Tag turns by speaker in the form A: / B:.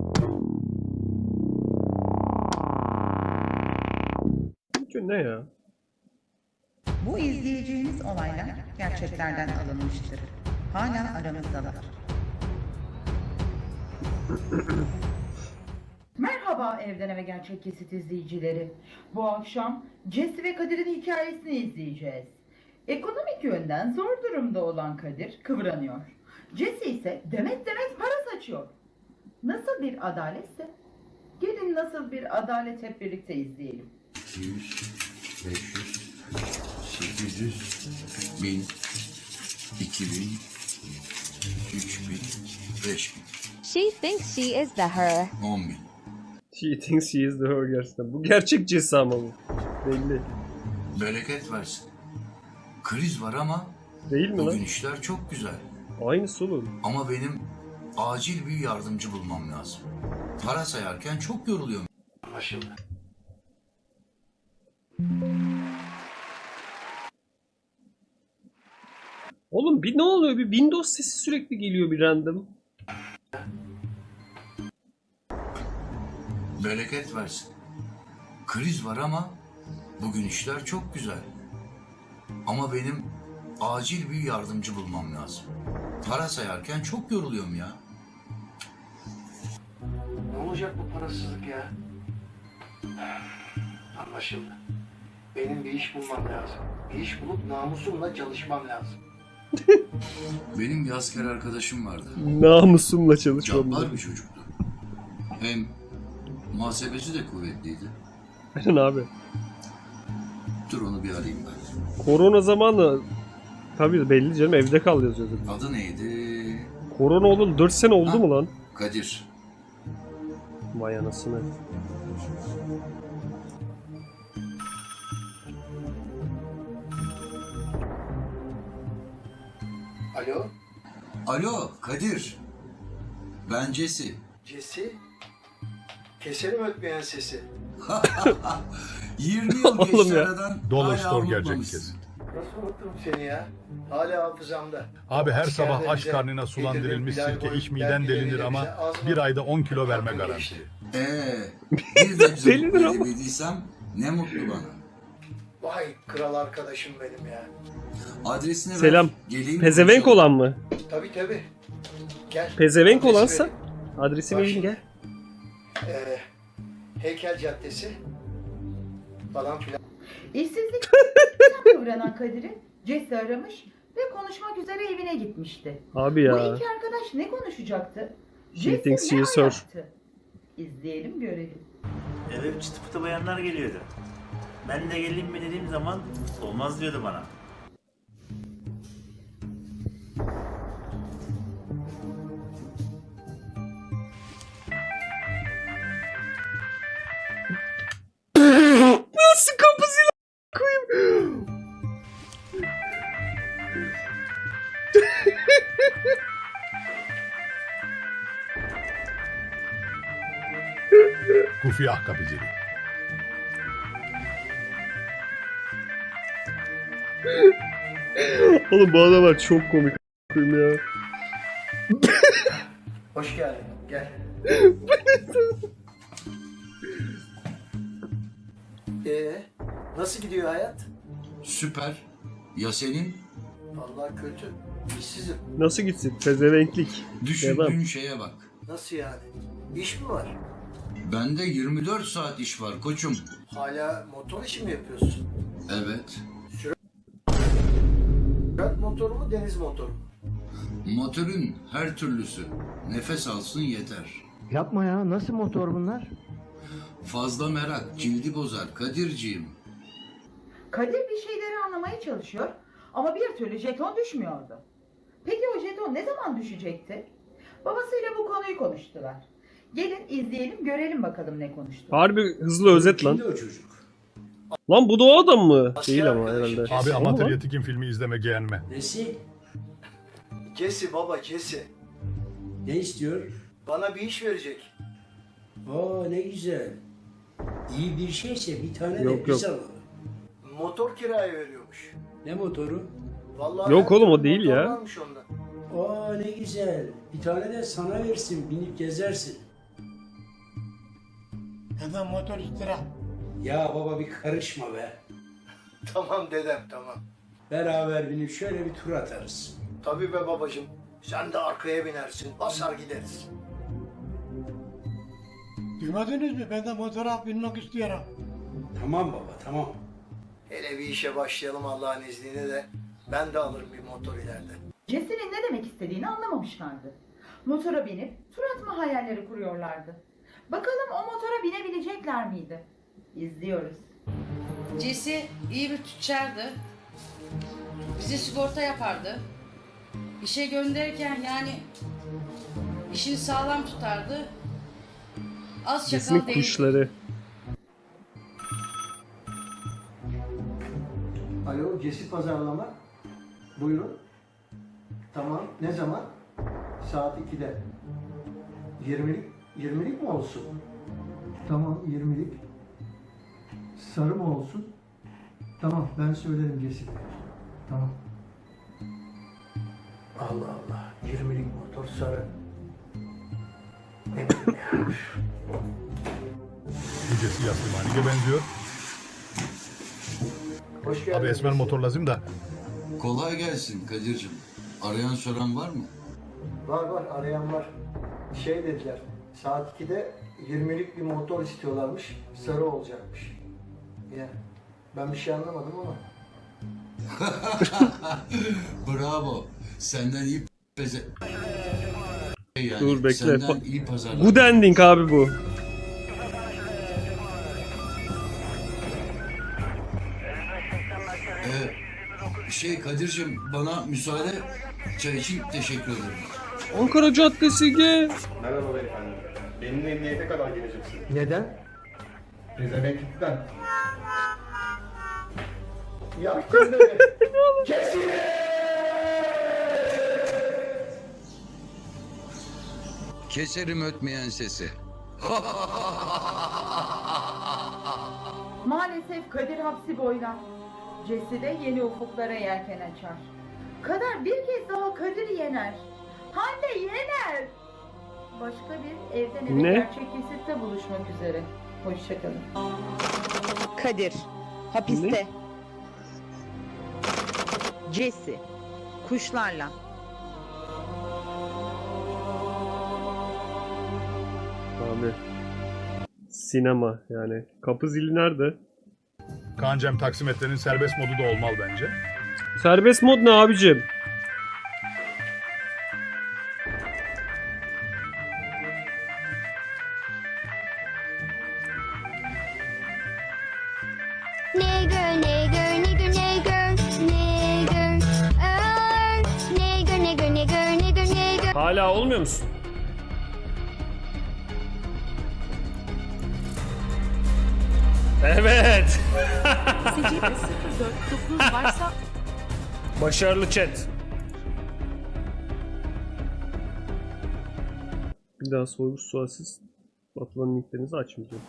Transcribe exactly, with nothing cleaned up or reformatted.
A: Ne ya?
B: Bu izleyeceğiniz olaylar gerçeklerden alınmıştır. Hala aramızdalar.
C: Merhaba Evden Eve Gerçek Kesit izleyicileri. Bu akşam Jesse ve Kadir'in hikayesini izleyeceğiz. Ekonomik yönden zor durumda olan Kadir kıvranıyor. Jesse ise demet demet para saçıyor. Nasıl bir adaletse? Gelin nasıl bir adalet hep birlikte izleyelim.
D: iki yüz, beş yüz, sekiz yüz, bin, iki bin, üç bin, beş bin,
E: She thinks she is the her.
D: on bin.
A: She thinks she is the her gerçekten. Bu gerçek Jesse ama bu. Belli.
D: Bereket versin. Kriz var ama
A: Değil mi
D: bugün
A: lan?
D: işler çok güzel.
A: Aynısı oğlum.
D: Ama benim acil bir yardımcı bulmam lazım. Para sayarken çok yoruluyorum.
F: Anlaşıldı.
A: Oğlum bir ne oluyor? Bir Windows sesi sürekli geliyor bir random.
D: Bereket versin. Kriz var ama bugün işler çok güzel. Ama benim acil bir yardımcı bulmam lazım. Para sayarken çok yoruluyorum ya.
F: Ne olacak bu parasızlık ya? Anlaşıldı. Benim bir iş bulmam lazım. Bir iş bulup namusumla çalışmam lazım.
D: Benim bir asker arkadaşım vardı.
A: Namusumla çalışmam.
D: Cabbar bir çocuktu. Hem muhasebesi de kuvvetliydi.
A: Aynen abi.
D: Dur onu bir arayayım ben.
A: Korona zamanı tabii belli canım, evde kal yazıyordu.
D: Adı neydi?
A: Korona oldu dört sene oldu
D: Ha?
A: mu lan?
D: Kadir.
A: Vay anasını.
F: Alo,
D: Alo Kadir. Ben Jesse.
F: Jesse? Keserim ötmeyen sesi.
D: yirmi yıl
A: Oğlum
D: geçti
A: ya.
D: aradan.
G: Dolaştır
D: hala
G: gerçek
D: unutmamışsın.
G: kesin.
F: Nasıl unuttum seni ya? Hala hafızamda.
G: Abi her
F: Askerde
G: sabah aç
F: bize
G: karnına sulan
F: yedirdiğin
G: dirilmiş
F: Bilal
G: sirke
F: Boy
G: iç miden
F: dergileriyle
G: delinir ama
F: bize az mı
G: bir ayda on kilo verme
F: farklı
G: garanti.
F: geçti.
D: Ee, bir de bize
A: Delidir
D: mutlu
A: ama.
D: edebildiysem ne mutlu bana.
F: Vay kral arkadaşım benim ya.
D: Adresini ver.
A: Selam.
D: Geleyim
A: Pezevenk
D: konuşalım.
A: olan mı?
F: Tabii tabii. Gel.
A: Pezevenk
F: Adresi
A: olansa
F: vereyim.
A: adresi
F: Bak
A: verin
F: şimdi.
A: gel.
F: Ee, Heykel Caddesi falan filan.
C: İşsizlik kıvranan Kadir'i Jesse aramış ve konuşmak üzere evine gitmişti.
A: Abi
C: Bu
A: ya.
C: iki arkadaş ne konuşacaktı?
A: She
C: Jesse
A: thinks
C: ne
A: she is her.
C: anlattı? İzleyelim görelim.
H: Eve çıtı pıtı bayanlar geliyordu. Ben de geleyim mi dediğim zaman olmaz diyordu bana.
A: Nasıl kapısıyla koyayım?
G: Kufiyah kapıcılığı.
A: Oğlum bu adamlar çok komik koyayım ya.
F: Hoş geldin. Gel. Ee, nasıl gidiyor hayat?
D: Süper. Ya senin?
F: Vallahi kötü. İşsizim.
A: Nasıl gitsin? Pezevenklik.
D: Düşündüğün
A: Devam.
D: şeye bak.
F: Nasıl yani? İş mi var?
D: Bende yirmi dört saat iş var koçum.
F: Hala motor işi mi yapıyorsun?
D: Evet.
F: Sürat motoru mu, deniz motoru mu?
D: Motorun her türlüsü. Nefes alsın yeter.
I: Yapma ya, nasıl motor bunlar?
D: Fazla merak cildi bozar Kadirciğim.
C: Kadir bir şeyleri anlamaya çalışıyor ama bir türlü jeton düşmüyordu. Peki o jeton ne zaman düşecekti? Babasıyla bu konuyu konuştular. Gelin izleyelim görelim bakalım ne konuştu.
A: Harbi hızlı özet lan.
F: Kimdi o çocuk?
A: Lan bu da o adam mı?
F: Asker
A: Değil ama
F: arkadaşım.
A: herhalde.
G: Abi
A: Ama
G: amatör
A: lan.
G: yetikin filmi izleme geğenme.
J: Nesi?
F: Jesse baba Jesse.
J: Ne istiyor?
F: Bana bir iş verecek.
J: Oo ne güzel. İyi bir şeyse bir tane
A: Yok,
J: de biz
A: yok.
J: alalım.
F: Motor kiraya veriyormuş.
J: Ne motoru?
F: Vallahi
A: Yok
F: her
A: oğlum, o
F: türlü
A: değil
F: motor
A: ya.
F: varmış onda.
J: Oo ne güzel. Bir tane de sana versin binip gezersin.
F: Hemen motor istira.
J: Ya baba bir karışma be.
F: Tamam dedem tamam.
J: Beraber binip şöyle bir tur atarız.
F: Tabii be babacığım. Sen de arkaya binersin. Basar gideriz. Duymadınız mı? Ben de motora binmek istiyorum.
J: Tamam baba tamam.
F: Hele bir işe başlayalım Allah'ın izniyle de ben de alırım bir motor ileride.
C: Jesse'nin ne demek istediğini anlamamışlardı. Motora binip tur atma hayalleri kuruyorlardı. Bakalım o motora binebilecekler miydi? İzliyoruz.
K: Jesse iyi bir tüccardı. Bize sigorta yapardı. İşe gönderirken yani işini sağlam tutardı. Az
A: Jesse'nin
K: çakal değil.
A: kuşları.
F: Alo, Cesi Pazarlama. Buyurun. Tamam, ne zaman? Saat ikide. yirmilik, yirmilik mi olsun?
I: Tamam yirmilik. Sarı mı olsun? Tamam ben söylerim Cesi. Tamam.
F: Allah Allah, yirmilik motor sarı. Ne bileyim ya.
G: Yücesi Yaslimani'ye benziyor.
F: Hoş geldin.
G: Abi esmer
F: Cesi.
G: motor lazım da.
D: Kolay gelsin Kadir'cim. Arayan soran var mı?
F: Var var, arayan var. Şey dediler, saat ikide yirmilik bir motor istiyorlarmış, sarı olacakmış. Ya, ben bir şey anlamadım ama.
D: Bravo. Senden iyi peze... Yani
A: Dur, bekle.
D: Senden
A: Pa-
D: iyi pazarlar.
A: Good ending abi bu.
D: Ee, şey Kadir'cim bana müsaade, çay için teşekkür ederim.
A: Ankara Caddesi G.
L: Merhaba beyefendi. Benimle emniyete kadar geleceksiniz.
I: Neden?
L: Pezevenklikten.
F: Yaktın beni.
D: Keserim ötmeyen sesi.
C: Maalesef Kadir hapsi boylar. Jesse de yeni ufuklara yelken açar. Kader bir kez daha Kadir'i yener. Hande yener. Başka bir evden eve
A: Ne?
C: gerçek kesitte buluşmak üzere. Hoşçakalın.
B: Kadir, hapiste. Jesse, kuşlarla.
A: Abi. Sinema yani. Kapı zili nerede?
G: Kancem taksimetrenin serbest modu da olmalı bence.
A: Serbest mod ne abicim?
E: Nigger, nigger, nigger, nigger, nigger. Er, nigger, nigger, nigger, nigger, nigger.
A: Hala olmuyor musun? Evet. Başarılı chat. Bir daha sorgu sualsiz atılan linklerinizi açmayacağım.